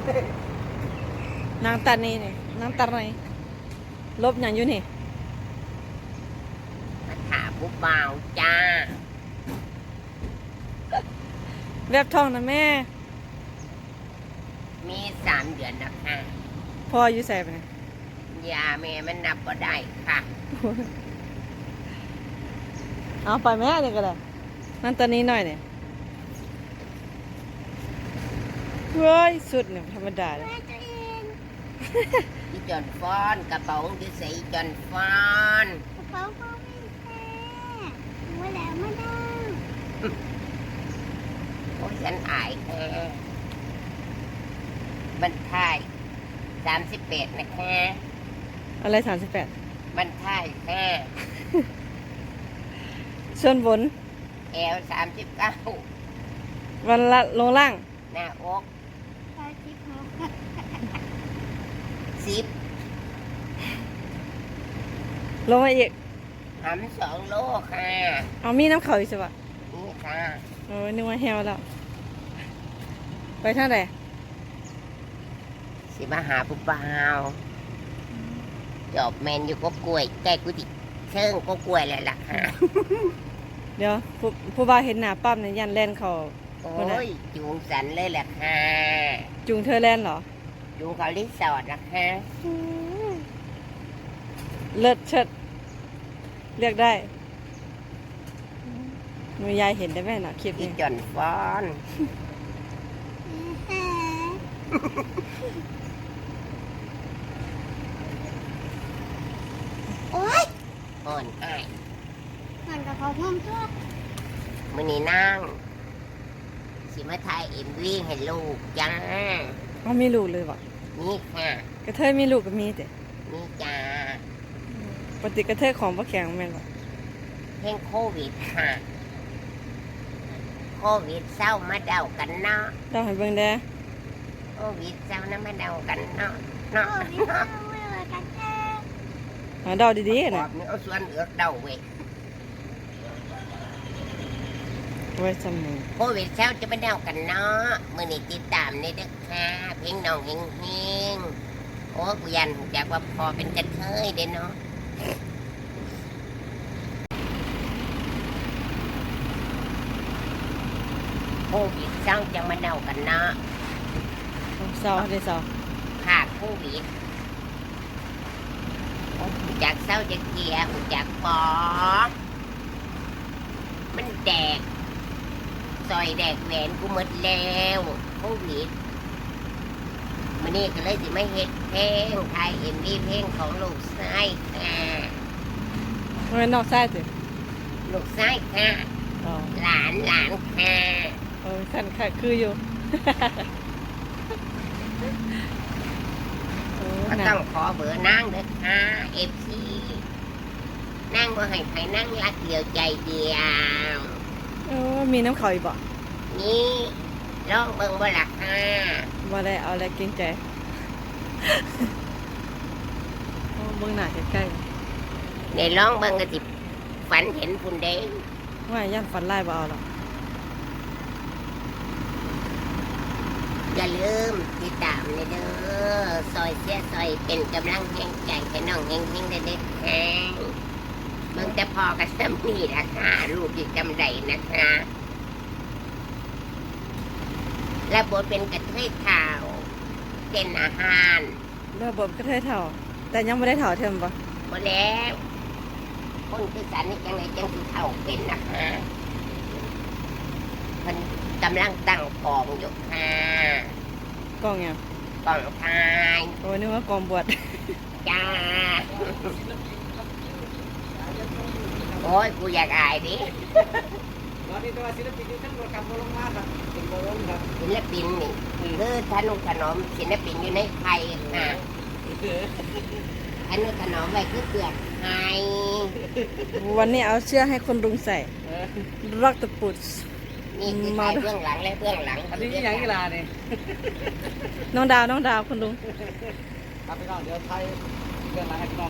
นางตานี่นี่นางตาไหนลบอย่างอยู่นี่มาถามผู้บ่าวจ้าแบบท้องนะแม่มี3 เดือนนะคะพ่ออยู่ใส่ไปไหนยาแม่มันนับก็ได้ค่ะเอาไปแม่เนี่ยก็ได้นั่นตอนนี้หน่อยเนี่ยเฮ้ยสุดเนี่ยธรรมดาเลยที่จอนฟอนกระเป๋าที่ใส่จอนฟอนกระเป๋าพ่อไม่แท้หัวแหลมไม่ได้โอ้ยฉันอายแค่บรรทาย38นะคะอะไร38 บรรทายแค่ส่วนบน 39 วันละลงล่างหน้าอกตาจิ๊บหก 10 ลงมาอีกหำ2 โลค่ะเอามีน้ำเขาอีกใช่ปะนี่ค่ะโอ้ยนึกว่าแฮวแล้วไปท่าไหนสิมาหาผู้บ่าวจอบแมนอยู่ก็กล้วยใกล้กุฏิเชิงก็กล้วยแหละล่ะค่ะเดี๋ยวผู้บ่าวเห็นหน้าปั๊บเนี่ยยันแล่นเขาโอ้ยจูงสันเลยแหละค่ะจุงเธอแล่นเหรอจูงเขารีสอร์ทนะคะเลิศเชิดเลือกได้หนูยายเห็นได้ไหมนะคลิปที่นี้จอนฟอนโอ๊ยอ่อนอ้ายมันกระเพาะนุ่มตัวมื้อนี้นั่งสิมาถ่ายMVให้ลูกจ้าเขามีลูกเลยวะนี่ค่ะกระเทยมีลูกก็มีแต่นี่จ้าปกติกระเทยของพ่อแข็งแม่นบ่เพลงโควิดค่ะโควิดเศร้ามาเดากันเนาะต้องให้เบิ่งเด้อโควิดเศร้านะมาเดากันเนาะโอ้เนาะยไม่ว่ากันแท้หาเดาดีๆขอนะบนี่เอาส่วนเอือกเดาเว้ยไว้จำมือโควิดเศร้าจะมาเดากันเนาะมื้อนี้ติดตามในเด้อค่ะเพลงน้องเฮงๆโอ้กูยันหูจักว่าพอเป็นกระเทยเด้เนาะโควิดเศร้าจะมาเดากันเนาะเศร้าได้เศร้าขาดโควิดหูจักเศร้าจะเกลียหูจักปอมันแดกซอยแดกแหวนกูหมดแล้วโควิดมันนี่ก็เลยสิไม่เฮ็ดเพลงไทยMVเพลงของลูกชายค่ะมันเป็นนอกไส้สิลูกชายค่ะอ๋อหลานค่ะเออคันค่ะคืออยู่ โอ้ก็หนัต้อก งขอเบอร์นั่งเด้อค่ะFC นั่งบ่ให้ใครนั่งรักเดียวใจเดียวโอ้มีน้ำเขาอีกบ่นี่ลองเบิ่งบ่ล่ะค่ะบ่ได้เอาอะไรเกรงใจ โอ้เบิ่งหน้าใกล้ในลองเบิ่งก็สิฝันเห็นพุ่นเด้ๆว่าย่านฝันไล่บ่เอาหรอกอย่าลืมติดตามเลยเด้อซอยเสียซอยเป็นกำลังแห่งใจให้น้องเฮงๆเด็ดๆค่ะเบิ่งแต่พอกับซ้ำนี่ล่ะค่ะลูกอยู่จำได้นะคะและบทเป็นกระเทยข่าวเป็นอาหารระบบก็เทยเท่า แต่ยังไม่ได้เท่าเทิมบ่หมดแล้วคนคือสันนี่จังไรจังสิเท่าเป็นนะคะมันกำลังตั้งกองอยู่ค่ะกล้องยังกองทายโอ้นึกว่ากองบวชจ้าโอ้ยกูอยากอายดิตอนนี้ตัวศิลปินอยู่ทั้งหมดกับโมลงมาครับเป็นโมลงครับศิลปินนี่คือทนุถนอมศิลปินอยู่ในไทยค่ะทนุถนอมไว้คือเปลือกไทยวันนี้เอาเสื้อให้คนรุงใส่รักตะปุดนี่คือไทยเบื้องหลังและเบื้องหลังอันนี้ยังกีฬาเนี่ยน้องดาวคุณลุงครับพี่น้องเดี๋ยวไทยเรื่องอะไรให้พี่น้อง